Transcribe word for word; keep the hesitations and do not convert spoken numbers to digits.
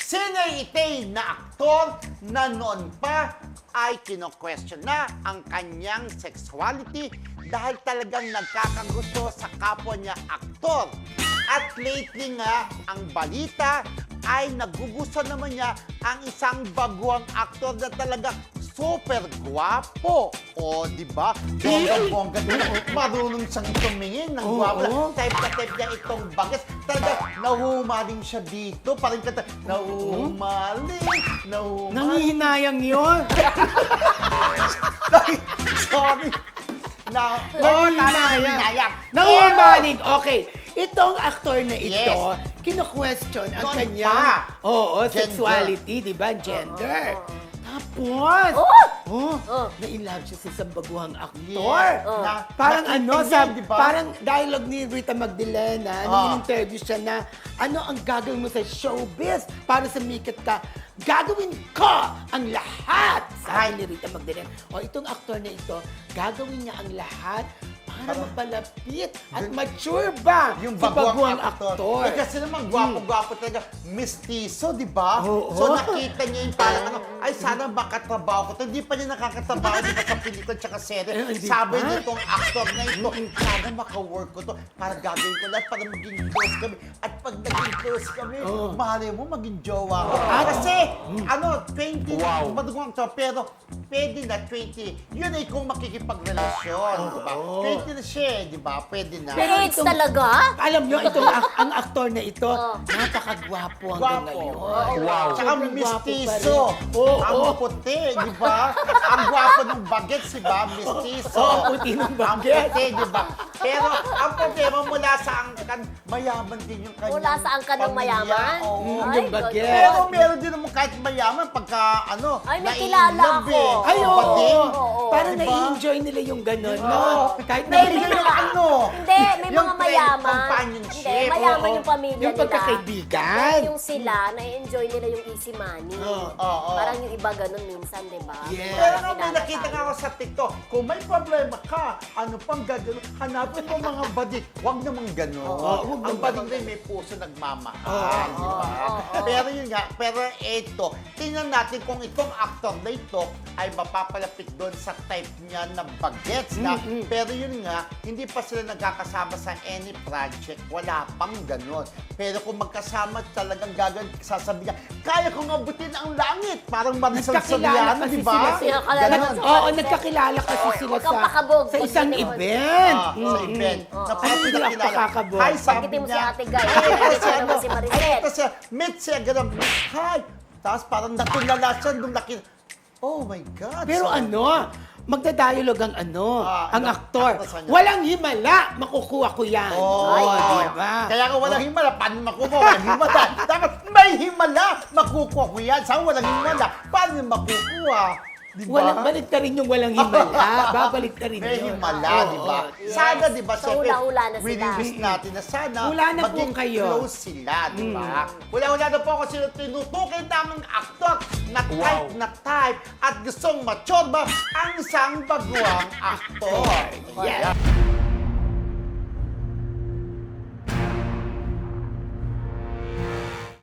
Sinay Itay na aktor na noon pa ay kino-question na ang kanyang sexuality dahil talagang nagkakagusto sa kapwa niya aktor. At lately nga, ang balita ay nagugusto naman niya ang isang baguang aktor na talaga super gwapo. O, di ba? Bongga-bongga din. Marunong siyang tumingin ng Oo. gwapo. Type na type niya itong bagas. Talaga, nahumaling siya dito. Parang kata, nahumaling, nahumaling. Nangihinayang yun. Sorry. Na, Nangihinayang. nayak. Nangihinayang. Okay. Itong aktor na ito, Yes. kino-question ang Noon kanyang pa. oo, Gender. sexuality, di ba? Gender. Tapos, Oh! oh, Oh. na-inlove siya sa isang baguhang aktor. Yes. Oh. Na, Parang nakita ano, niya, sab, di ba? parang dialogue ni Rita Magdalena, Ah. nung interview siya na, ano ang gagawin mo sa showbiz para sumikat ka? Gagawin ko ang lahat! Sabi ni Rita Magdalena. O itong aktor na ito, gagawin niya ang lahat para Parang- mapalapit at mature ba Yung si baguang baguang aktor. aktor? Eh, kasi naman, gwapo-gwapo talaga. Mistiso, di ba? Oo. So, nakita niya yung parang ano, ay, sana makatrabaho ko. to. Hindi pa niya nakakatrabaho di ba, sa pelikula at serye. Eh, hindi Sabi pa. nitong actor na ito, sana maka-work ko to para gagawin ko lahat para maging close kami. At pag naging close kami, Oo. mahalin mo, maging jowa ko. At- Kasi, ano, twenty na, Wow. madugong actor, pero pwede na twenty. Yun ay kung makikipagrelasyon, di ba? Oo. twenty na siya, eh, di ba? Pwede na. Pero Age itong- talaga? Alam nyo, itong ak- ang aktor na ito, Oh. napakagwapo hanggang Gwapo. ngayon. Wow. Tsaka Sobrang gwapo pa mistiso. rin. Oo, ang oo. puti, di ba? Ang gwapo ng bagets, di ba? Mistiso. Oo, ang puti ng Ang bagets. puti, di ba? Pero ang problema mula sa angkan, mayaman din yung kanyang Mula sa angkan ng pamilya. mayaman? Oo. Mm, Ay, yung bagets. ganon. Pero meron din naman kahit mayaman pagka ano, Ay, may nai-love kilala ako. eh. Ay, Iba oo. din. Oo. Parang Diba? nai-enjoy nila yung gano'n, no? Oo. Kahit na May, Hindi may yung mga, ano, hindi, may yung mga friend mayaman. companionship. Hindi, mayaman Oo. yung pamilya Yung nila. pagkakaibigan. Pero yung sila, na-enjoy nila yung easy money. Oo. Oo. Parang yung iba ganun minsan, di ba? Yes. Pero Mga nga may kilala nakita tayo. nga ako sa TikTok, kung may problema ka, ano pang gagawin? Hanapin mo mga badik. Huwag namang gano'n. Oo, huwag Ang naman. badik rin may puso nagmamahal, Oo. di ba? Oo, oo. Pero yun nga, pero eto, tingnan natin kung itong actor na ito ay mapapalapit doon sa type niya na bagets na. Mm-mm. Pero yun nga, hindi pa sila nagkakasama sa any project. Wala pang gano'n. Pero kung magkasama talagang gagawin, sasabihin niya, kaya kong abutin ang langit. Parang Marisol Nagkakilala Soriano, kasi di ba? sila sa- Nagkakilala Ganon. sa- Oo, nagkakilala kasi sila Huwag kang sa, pakabog sa pag isang gano'n. event. Ah, sa Mm-mm. event. Oo. Na Ay, parang hindi pinakilala. ako kakabog. Hi, sabi Pagkitin mo si niya. Ate Guy. Ay, Pagkitin kasi mo naman si Maricel. Ay, kasi meet siya, gano'n. Hi! Tapos parang natulala siya nung nakita. Oh my God. Pero So, ano, magdadialog ang ano, Ah, ang ano, aktor. actress niya. Walang himala, makukuha ko yan. Oh, Ay, oo. di ba? Kaya kung walang himala, paano makukuha? Walang himala. Dapat may himala. Makukuha ko yan. Saan walang himala? Paano makukuha? Di ba? Walang, balik ka rin yung walang himala. Babalik ka rin May yun. himala, Oo, di ba? oo. Yes. Sana, di ba, So, syempre, hula-hula na sila. wini-wish natin na sana Hula na po maging kayo. close sila, di ba? Hula-hula na po kasi tinutukoy naming aktor na type Wow. na type at gustong mature ba ang isang baguang aktor. Yes. Ayan.